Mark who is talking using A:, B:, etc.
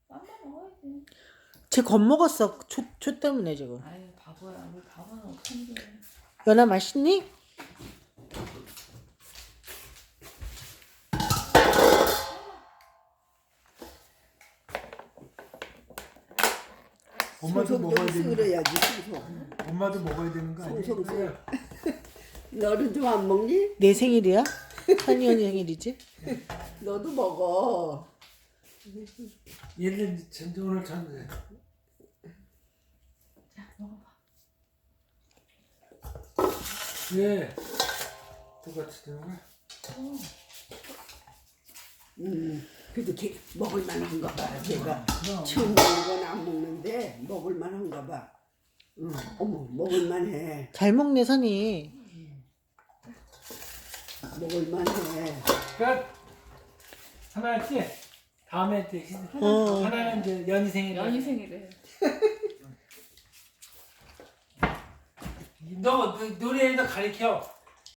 A: 맘만 먹어야지.
B: 쟤 겁먹었어. 초 때문에 지금.
A: 아유 바보야. 우리 바보는 어떡한데.
B: 연아 맛있니?
C: 엄마도 먹어야 되는 거.
D: 그래야지 소속.
C: 엄마도 먹어야 되는 거 아니야?
D: 소속. 너는 좀 안 먹니?
B: 내 생일이야? 한이 언니 생일이지?
D: 너도 먹어.
C: 얘는 오늘 참
A: 자 먹어봐.
C: 왜 똑같이 되는 거야?
D: 그래도 걔 먹을 만한가 봐. 걔가
C: 그럼.
D: 처음 먹는 건 안 먹는데 먹을 만한가 봐. 어머 먹을 만해.
B: 잘 먹네 선이.
D: 먹을 만해.
C: 끝. 하나 했지? 다음에 또 하나는 이제 연희 생일.
A: 연희 생일에.
C: 너 노래에서 가르쳐.